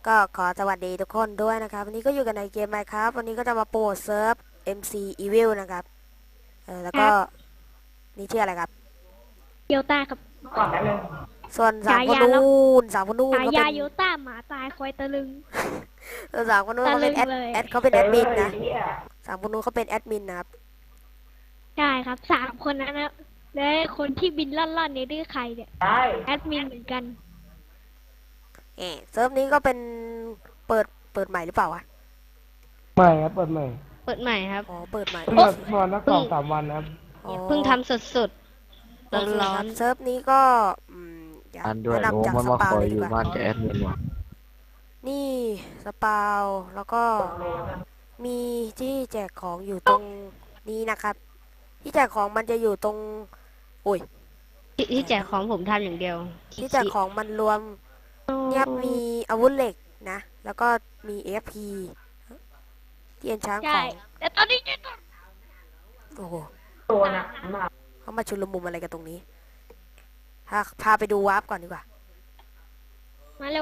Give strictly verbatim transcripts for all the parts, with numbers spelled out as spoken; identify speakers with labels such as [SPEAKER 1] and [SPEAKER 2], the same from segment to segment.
[SPEAKER 1] ก็ขอสวัสดีทุกคนด้วยนะครับวันนี้ก็อยู่กันในเกม Minecraft วันนี้ก็จะมาโปรโมทเซิร์ฟ เอ็ม ซี Evil นะครับเออแล้วก็
[SPEAKER 2] ครับ
[SPEAKER 1] นี่ชื่ออะไรครับ
[SPEAKER 2] โยต้าครับ
[SPEAKER 3] ก่อนแป๊บนึง
[SPEAKER 1] ส่วนสามคน
[SPEAKER 2] ฉายาล็อก
[SPEAKER 1] นู้นสามคนนู้น
[SPEAKER 2] ฉา
[SPEAKER 1] เขาเป็น
[SPEAKER 2] ยาโยต้าหมาตายคอยตะลึง
[SPEAKER 1] เออสามคนนู้น
[SPEAKER 2] ตะ
[SPEAKER 1] เขาเป็นแอด
[SPEAKER 2] ลึงเลย
[SPEAKER 1] แอดเขาเป็น
[SPEAKER 3] เออ
[SPEAKER 1] แอดมิน
[SPEAKER 3] ไอ้
[SPEAKER 1] นะ
[SPEAKER 3] เหี้ย
[SPEAKER 1] สามคนนู้นเขาเป็นแอดมินนะครับ
[SPEAKER 2] ใช่ครับสามคนนั้นนะและคนที่บินล่อนๆนี่ดื้อใครเนี่ย
[SPEAKER 3] ได้
[SPEAKER 2] แอดมินเหมือนกัน
[SPEAKER 1] เออเซิร์ฟนี้ก็เป็นเปิดเปิดใหม่หรือเปล่าวะ
[SPEAKER 4] ใหม่ครับเปิดใหม่
[SPEAKER 5] เปิดใหม่ครับ
[SPEAKER 1] อ๋อเปิดใหม่
[SPEAKER 4] เพิ่ง
[SPEAKER 1] โอ
[SPEAKER 4] มา
[SPEAKER 1] เค
[SPEAKER 4] ประมาณนักสองสามวันนะครับ
[SPEAKER 1] อ๋อ
[SPEAKER 5] เพิ่งทำสดๆ
[SPEAKER 1] โอเค
[SPEAKER 5] ร้อ
[SPEAKER 1] ครั
[SPEAKER 5] น
[SPEAKER 1] บเซิร์ฟนี้ก็อืมอยาก
[SPEAKER 6] อันด้วย
[SPEAKER 1] แนะ
[SPEAKER 6] โน้
[SPEAKER 1] นำจาก
[SPEAKER 6] มัน
[SPEAKER 1] ส
[SPEAKER 6] มา
[SPEAKER 1] ปา
[SPEAKER 6] คอย
[SPEAKER 1] เลย
[SPEAKER 6] อ
[SPEAKER 1] ดี
[SPEAKER 6] ยู่
[SPEAKER 1] กว่า
[SPEAKER 6] บ้านจะแอดมินว่ะ
[SPEAKER 1] นี่สปาวแล้วก็มีที่แจกของอยู่ตรงนี้นะครับ ที่แจกของมันจะอยู่ตรงโอ้ย
[SPEAKER 5] ๆที่ที่แจกของผมทำอย่างเดียว
[SPEAKER 1] ที่แจกของมันรวมเนี่ยครับมีอาวุธเหล็กนะ แล้วก็มี เอ ฟ พี ที่เอ็นช้างข
[SPEAKER 2] ใช่
[SPEAKER 1] อง
[SPEAKER 2] แต่ตอนนี้
[SPEAKER 1] โอ้โห
[SPEAKER 3] ตัวน่ะมา
[SPEAKER 1] เขามาชุลมุมอะไรกันตรงนี้พาพาไปดูวาร์ปก่อนดีกว่า
[SPEAKER 2] มาเร็ว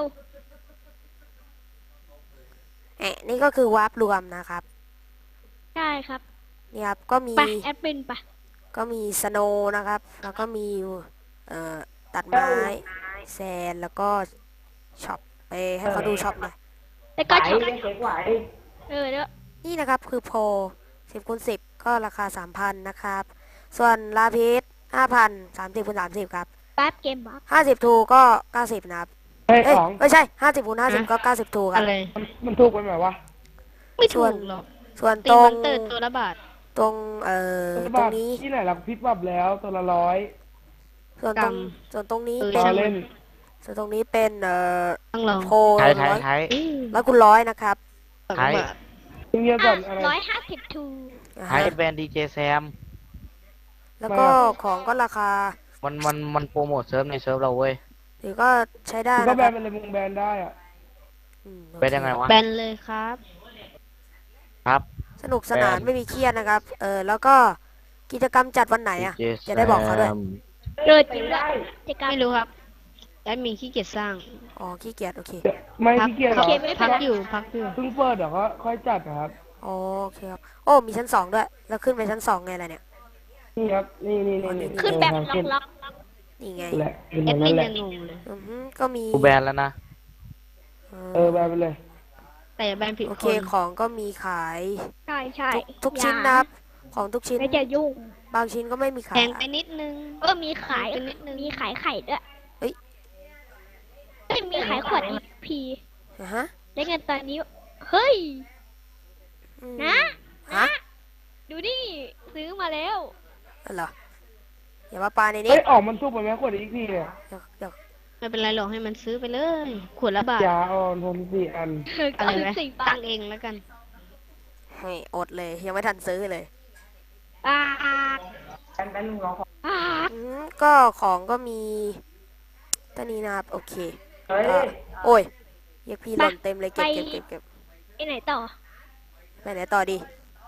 [SPEAKER 1] แอะนี่ก็คือวาร์ปรวมนะครับ
[SPEAKER 2] ใช่ครับ
[SPEAKER 1] นี่ครับก็มี
[SPEAKER 2] ไปแอดมินไป
[SPEAKER 1] ก็มีสโนว์นะครับ แล้วก็มีเอ่อตัดไม้แซนแล้วก็ช็อปไปให้เขาดูช็อปหน่อย
[SPEAKER 2] แล้ว
[SPEAKER 3] ไหว
[SPEAKER 2] ก็ช็อป
[SPEAKER 3] เช็คไหว
[SPEAKER 2] เออแล้ว
[SPEAKER 1] นี่นะครับคือโพสิบคูณสิบก็ราคาสามพันนะครับ ส่วนลาพิษห้าพันสามสิบคูณสามสิบครับ
[SPEAKER 2] แป๊บเกมบัก
[SPEAKER 1] ห้าสิบทูก็เก้าสิบนะครับ
[SPEAKER 4] เฮ้ย
[SPEAKER 1] เอ้ย
[SPEAKER 4] ของ
[SPEAKER 1] ไม่ใช่ห้าสิบคูณห้าสิบก็เก้าสิบทูครับ
[SPEAKER 5] อะไร
[SPEAKER 4] มันมันถูกไปไหมวะ
[SPEAKER 5] ไม่
[SPEAKER 1] ส่
[SPEAKER 5] ถู
[SPEAKER 1] วน
[SPEAKER 5] กหรอก
[SPEAKER 1] ส่วน
[SPEAKER 5] ตี
[SPEAKER 1] ตร
[SPEAKER 5] มอง นเตอร์ตัวละบาท
[SPEAKER 1] ตรงเอ่อ
[SPEAKER 4] ตัว
[SPEAKER 1] ตร
[SPEAKER 4] บาง ท
[SPEAKER 1] นี้
[SPEAKER 4] ที่ไหนหลักพิษปรับแล้วตัวละร้อย
[SPEAKER 1] ส่วนตรงส่วนตรงนี้
[SPEAKER 5] เออ
[SPEAKER 1] เป็น
[SPEAKER 4] รอเล่น
[SPEAKER 1] ส่วนตรงนี้เป็นเอ่อ
[SPEAKER 5] ต้องลอง
[SPEAKER 1] โพ
[SPEAKER 6] ไทยไทย
[SPEAKER 1] ร้อย
[SPEAKER 6] ไทย
[SPEAKER 5] อืม
[SPEAKER 1] ร้อยคูณร้อยนะครับ
[SPEAKER 5] สอง
[SPEAKER 6] ไทย
[SPEAKER 5] บาท
[SPEAKER 4] เงียบก่อนอะไร
[SPEAKER 2] ร้อยห้าสิบทู
[SPEAKER 1] นะ
[SPEAKER 6] ไท
[SPEAKER 1] ฮะ
[SPEAKER 6] ยแบรนด์ดีเจแซม
[SPEAKER 1] แล้วก็ของก็ราคา
[SPEAKER 6] มันมันมันโปรโมทเซิร์ฟในเซิร์ฟเราเว้ย
[SPEAKER 1] ถือก็ใช้ได้
[SPEAKER 4] มึงก็
[SPEAKER 1] นะ
[SPEAKER 4] แบ
[SPEAKER 1] คน รับ
[SPEAKER 4] ไปเลยมึงแบนได้อ่ะ
[SPEAKER 1] อืมโอค
[SPEAKER 6] เป็นยังไงวะ
[SPEAKER 5] แบนเลยครับ
[SPEAKER 6] ครับ
[SPEAKER 1] สนุกสนาน
[SPEAKER 6] แบน
[SPEAKER 1] ไม่มีเครียดนะครับ เออแล้วก็กิจกรรมจัดวันไหน
[SPEAKER 6] ดี
[SPEAKER 1] อ่ะ
[SPEAKER 6] เจ
[SPEAKER 1] จะได้บอกเขาด้วย
[SPEAKER 6] แซม
[SPEAKER 2] เออจริงด้วยจะกลับ
[SPEAKER 5] ไม่รู้ครับแอดมินขี้เกียจสร้าง
[SPEAKER 1] อ๋อขี้เกียจโอเค
[SPEAKER 4] ไม่
[SPEAKER 5] พั
[SPEAKER 4] ขี้เกียจหร
[SPEAKER 5] พั
[SPEAKER 4] อก
[SPEAKER 5] พักอยู่พักอยู่
[SPEAKER 4] เพิ่งเปิดเดี๋ยวก็ค่อยจัดนะครับ
[SPEAKER 1] อ๋อโอเคครับโอ้มีชั้นสองด้วย แล้วขึ้นไปชั้นสองไงล่ะเนี่ย
[SPEAKER 4] นี่ครับนี่นี่นี่นี่
[SPEAKER 2] ขึ้นแบบ
[SPEAKER 4] ทางขึ้น
[SPEAKER 2] ล็อก
[SPEAKER 1] นี่ไง
[SPEAKER 4] แหละเป็น
[SPEAKER 5] แอ
[SPEAKER 4] อย่าง
[SPEAKER 5] ดมิ
[SPEAKER 4] นั้น นแห
[SPEAKER 5] ยั
[SPEAKER 4] ละ
[SPEAKER 5] งงงเลย
[SPEAKER 1] อือฮึก็มี
[SPEAKER 6] กูแบนแล้วนะ
[SPEAKER 1] เอ
[SPEAKER 4] เอ
[SPEAKER 1] อ
[SPEAKER 4] อแบนไปเลย
[SPEAKER 5] แต่อย่าแบนผิด
[SPEAKER 1] โอ
[SPEAKER 5] ค
[SPEAKER 1] เคน ของก็มีขาย
[SPEAKER 2] ๆใช่ใช่
[SPEAKER 1] ทุกทุกชิ้นนะครับ ของทุกชิ้น
[SPEAKER 2] ไม่จะยุ่ง
[SPEAKER 1] บางชิ้นก็ไม่มีขา
[SPEAKER 5] แพ
[SPEAKER 1] ย
[SPEAKER 5] งไปนิดนึง
[SPEAKER 2] เออมีขาย
[SPEAKER 5] ไปนิดนึง
[SPEAKER 2] มีขายไข่ด้วย
[SPEAKER 1] เอ้ย
[SPEAKER 2] เอ้ยมีขายขวดอีพี
[SPEAKER 1] นะฮะ
[SPEAKER 2] ได้เงินตอนนี้ เฮ้ย
[SPEAKER 1] อืม
[SPEAKER 2] นะ
[SPEAKER 1] ฮะ
[SPEAKER 2] ดูนี่ซื้อมาแล้ว
[SPEAKER 1] อะไรเหรออย่ามาปาในนี้
[SPEAKER 4] เฮ้ยออกมันถูกไปไหมขวดอีกทีเนี่ย
[SPEAKER 1] เดี๋ยวเดี๋ยว
[SPEAKER 5] ไม่เป็นไรหรอกให้มันซื้อไปเลย ขวดละบาท
[SPEAKER 4] ยาอ่อนผมสี่อัน
[SPEAKER 5] อะไร
[SPEAKER 2] เา
[SPEAKER 5] ไหม
[SPEAKER 2] สิบบา
[SPEAKER 5] ตั้
[SPEAKER 2] ท
[SPEAKER 5] งเองแล้วกัน
[SPEAKER 1] ให้อดเลยยังไม่ทันซื้อเลย
[SPEAKER 2] อ่า
[SPEAKER 3] แป๊บนึงรอของ
[SPEAKER 2] อ่า
[SPEAKER 1] อืมก็ของก็มีตัวนี้นะครับโอเค
[SPEAKER 3] เฮ้ย
[SPEAKER 1] ก็โอ้ยเรียกพี่หล่นเต็มเลยเก็บเก็บเก็บเก็บ
[SPEAKER 2] ไปไหนต่อ
[SPEAKER 1] ไปไหนต่อดี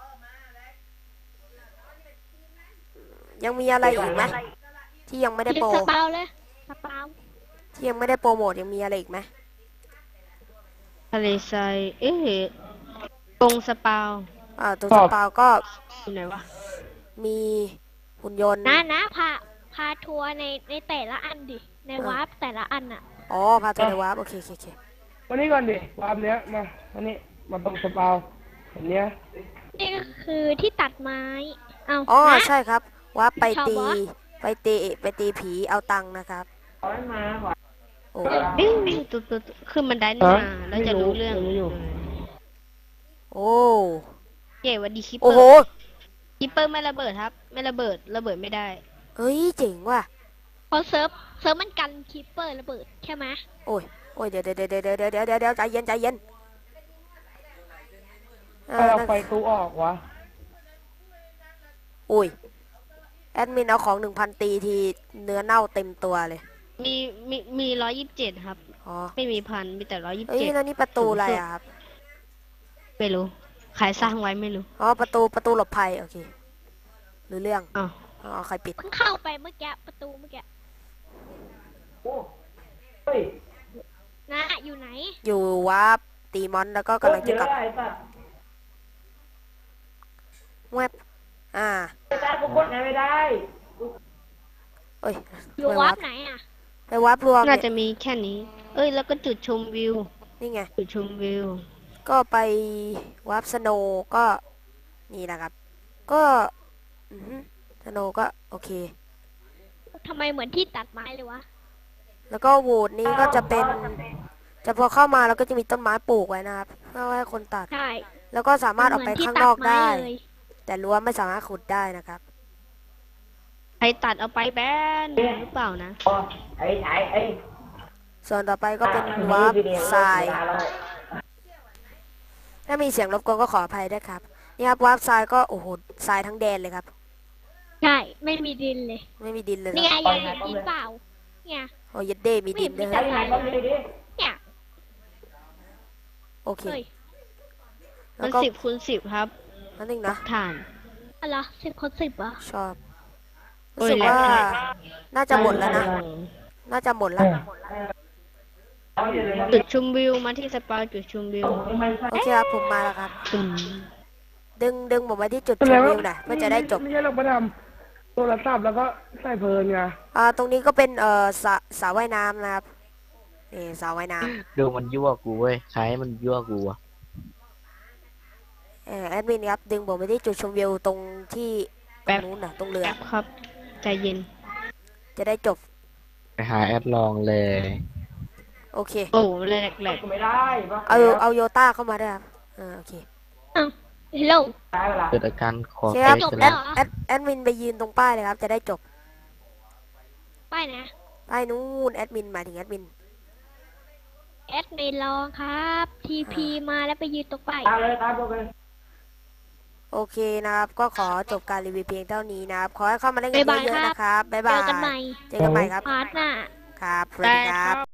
[SPEAKER 1] ยังมีอะไรอีกไหมที่ยังไม่ได้โปร
[SPEAKER 2] สปาวเลยสปาว
[SPEAKER 1] ที่ยังไม่ได้โปรโมทยังมีอะไรอีกไหม
[SPEAKER 5] ทะเลทรายเอ๊ะตรงสปาว
[SPEAKER 1] อ่าตัว
[SPEAKER 4] ช
[SPEAKER 1] ส
[SPEAKER 4] อบ
[SPEAKER 1] ปาวก็
[SPEAKER 5] อยู่ไหนวะ
[SPEAKER 1] มีหุ่นยนต์
[SPEAKER 2] นะนะพาพาทัวร์ในในแต่ละอันดิ ในวาร์ปแต่ละอันอะ
[SPEAKER 1] อ๋อพาตัวในวาร์ปโอเคโอเคโอเค
[SPEAKER 4] วันนี้ก่อนดิวามเนี้ยมาอันนี้มาตรงสปาวอันเนี้ย
[SPEAKER 2] นี่ก็คือที่ตัดไม้ เอา
[SPEAKER 1] อ๋อ
[SPEAKER 2] นะ
[SPEAKER 1] ใช่ครับวาร์ปไป
[SPEAKER 2] ชอบ
[SPEAKER 1] ตี
[SPEAKER 2] วะ
[SPEAKER 1] ไปตีไปตีผีเอาตังค์นะครับ
[SPEAKER 3] ขอให้มาก่อน
[SPEAKER 1] โอ้
[SPEAKER 5] ปิ้งตุ๊ดตุ๊ดขึ้นบันไดนี่มาแล้วจะรู้เรื่อง
[SPEAKER 4] ไม่รู้
[SPEAKER 1] โอ้
[SPEAKER 5] เย่วันดีคิปเป
[SPEAKER 1] โอ้
[SPEAKER 5] อ
[SPEAKER 1] โห
[SPEAKER 5] ร์คิปเปอร์ไม่ระเบิดครับ ไม่ระเบิดระเบิดไม่ได้
[SPEAKER 1] เฮ้ยเจ๋งว่ะ
[SPEAKER 2] เพราะเซิร์ฟเซิร์ฟมันกันคีปเปอร์ระเบิดใช่ไหม
[SPEAKER 1] โอ้ยโอ้ยเดี๋ยวเดี๋ยวเดี๋ยวเดี๋ยวเดี๋ยวเดี๋ยวเดี๋ยวเดี๋ยวใจเย็นใจเย็นเอ
[SPEAKER 4] ถ้า
[SPEAKER 1] อ
[SPEAKER 4] เรา
[SPEAKER 1] นั่น
[SPEAKER 4] ไฟตู้ออกวะ
[SPEAKER 1] อุ้ยแอดมินเอาของหนึ่งพันตีทีเนื้อเน่าเต็มตัวเลย
[SPEAKER 5] มีมีมีร้อยยี่สิบเจ็ดครับ
[SPEAKER 1] อ๋อ
[SPEAKER 5] ไม่มีพันมีแต่ร้อยยี่สิบ
[SPEAKER 1] เอ้ย
[SPEAKER 5] เจ็ด
[SPEAKER 1] แล้วนี่ประตูอะไรอะครับ
[SPEAKER 5] ไม่รู้ใครสร้างไว้ไม่รู้
[SPEAKER 1] อ๋อประตูประตูหลบภัยโอเคหรือเรื่อง
[SPEAKER 5] อ้าว
[SPEAKER 1] อ๋อใครปิด
[SPEAKER 2] เพิ่งเข้าไปเมื่อกี้ประตูเมื่อกี้
[SPEAKER 3] โอ้เฮ้ย
[SPEAKER 2] นะอยู่ไหน
[SPEAKER 1] อยู่วาร์ปตีมอนแล้วก็
[SPEAKER 3] โค
[SPEAKER 1] กำลั
[SPEAKER 3] ต
[SPEAKER 1] ง
[SPEAKER 3] ร
[SPEAKER 1] จะ
[SPEAKER 3] เย
[SPEAKER 1] กลับ
[SPEAKER 3] อะไอ้สัตว์
[SPEAKER 1] แวบอ่า
[SPEAKER 3] ไอ้สัตว์กูกดไงไม่ได้
[SPEAKER 1] เอ้ย
[SPEAKER 2] อยู่
[SPEAKER 1] ไป
[SPEAKER 2] วั
[SPEAKER 1] วา
[SPEAKER 2] ด
[SPEAKER 1] ร์ป
[SPEAKER 2] ไหนอ่ะ
[SPEAKER 1] ไปวาร์ปรวม
[SPEAKER 5] น่า
[SPEAKER 1] เนี่ย
[SPEAKER 5] จะมีแค่นี้ เอ้ย แล้วก็จุดชมวิว
[SPEAKER 1] นี่ไง
[SPEAKER 5] จุดชมวิว
[SPEAKER 1] ก็ไปวาร์ปสโนก็นี่นะครับ ก็อือสโนก็โอเค
[SPEAKER 2] ทำไมเหมือนที่ตัดไม้เลยวะ
[SPEAKER 1] แล้วก็โหวตนี้ก็จะเป็น จะพอเข้ามาแล้วก็จะมีต้นไม้ปลูกไว้นะครับเพื่อให้คนตัด
[SPEAKER 2] ใช่
[SPEAKER 1] แล้วก็สามารถออกไป
[SPEAKER 2] เหมืนที่
[SPEAKER 1] ข้างนอก
[SPEAKER 2] ตัม้
[SPEAKER 1] ได้
[SPEAKER 2] เลย
[SPEAKER 1] แต่รั้วไม่สามารถขุดได้นะครับ
[SPEAKER 5] ใครตัดเอาไปแบนหรือเปล่านะ
[SPEAKER 3] อ๋อไอ้ไอ้ไอ้
[SPEAKER 1] ส่วนต่อไปก็เป็น
[SPEAKER 3] อ่ะ
[SPEAKER 1] วาร์ป
[SPEAKER 3] วิดีโอ
[SPEAKER 1] ทราย
[SPEAKER 3] เวลาเรา
[SPEAKER 1] ถ้ามีเสียงรบกวนก็ขออภัยด้วยครับนี่ครับวาร์ปทรายก็โอ้โหทรายทั้งแดนเลยครับ
[SPEAKER 2] ใช่ไม่มีดินเลย
[SPEAKER 1] ไม่มีดินเลย
[SPEAKER 2] นี่
[SPEAKER 1] นะ
[SPEAKER 2] ไงยังเห็นดินเปล่า เนี่ย
[SPEAKER 1] โอ้ยดเด้มีดินด้วย
[SPEAKER 3] ไอ้ไหนก็ไม่ได้ดิ
[SPEAKER 2] เนี่ย
[SPEAKER 1] โอเค
[SPEAKER 2] เฮ้ย
[SPEAKER 1] แล้
[SPEAKER 5] มั
[SPEAKER 1] วน ก็
[SPEAKER 5] สิบคูณสิบครับ
[SPEAKER 1] นั่นนึงนะ
[SPEAKER 5] ฐาน
[SPEAKER 2] อะไรสิบคนสิบเหรอ
[SPEAKER 1] ชอบ
[SPEAKER 5] โอ้
[SPEAKER 1] รู้
[SPEAKER 5] ย
[SPEAKER 1] สึกว่า
[SPEAKER 5] แหลก
[SPEAKER 1] น่าจะหมดแล้วนะ น่าจะหมดแล้ว
[SPEAKER 5] จุดชมวิวมาที่สปาจุดชมวิว
[SPEAKER 1] โอเคครับผมมาแล้วครับ
[SPEAKER 5] อืม
[SPEAKER 1] ดึงดึงผมมาที่จุด
[SPEAKER 4] เป็น
[SPEAKER 1] ช
[SPEAKER 4] ไร
[SPEAKER 1] ม
[SPEAKER 4] วะ
[SPEAKER 1] วิวหน่อยเพื่อจะได้จบ
[SPEAKER 4] ไม่ใช่เราไปทำโทรศัพท์แล้วก็ใส่เพลินไง
[SPEAKER 1] อ่าตรงนี้ก็เป็นเอ่อสระสระว่ายน้ำนะครับนี่สระว่ายน้
[SPEAKER 6] ดูมันยั่วกูเว้ยใครให้มันยั่วกูอะ
[SPEAKER 1] ำเออแอดมินครับดึงผมไปที่จุดชมวิวตรงที่ตร
[SPEAKER 5] แป๊
[SPEAKER 1] ง
[SPEAKER 5] บ
[SPEAKER 1] นู้นน่ะตรงเรือ
[SPEAKER 5] แป๊บครับ ใจเย็น
[SPEAKER 1] จะได้จบ
[SPEAKER 6] ไปหาแอดลองเลย
[SPEAKER 1] โอเค
[SPEAKER 5] โอ้แหลกแหลก
[SPEAKER 3] กูไม่ได้ปะ
[SPEAKER 1] เอาเอาโยต้าเข้ามาด้วยครับเออโอเค
[SPEAKER 2] อ้าวฮัลโหล
[SPEAKER 3] ได้เวลา
[SPEAKER 6] เกิดอาการคอ
[SPEAKER 1] โอเค
[SPEAKER 6] เค
[SPEAKER 1] ครับ
[SPEAKER 6] ล็ด
[SPEAKER 2] จบ
[SPEAKER 6] ขึ้น
[SPEAKER 2] แล้
[SPEAKER 6] แล้ว ว
[SPEAKER 2] เหรอ
[SPEAKER 1] แอดแอดมินไปยืนตรงป้ายเลยครับ จะได้จบ
[SPEAKER 2] ไปนะ
[SPEAKER 1] ป้ายนู้นแอดมินหมายถึงแอดมิน
[SPEAKER 2] แอดมินลองครับ ทีพีมาแล้วไปยืนตรงไปาย
[SPEAKER 3] ตามเลยตามพวกเลย
[SPEAKER 1] โอเคนะครับ ก็ขอจบการรีวิวเพียงเท่านี้นะครับ ขอให้เข้ามาเล่นกันเยอะๆนะครับ บ๊าย
[SPEAKER 2] เจ
[SPEAKER 1] บา
[SPEAKER 2] อย กันใหม่
[SPEAKER 1] เจอกันใหม่ครับ
[SPEAKER 2] พาร์ทหน้า
[SPEAKER 1] ครับ สวัสดีครับ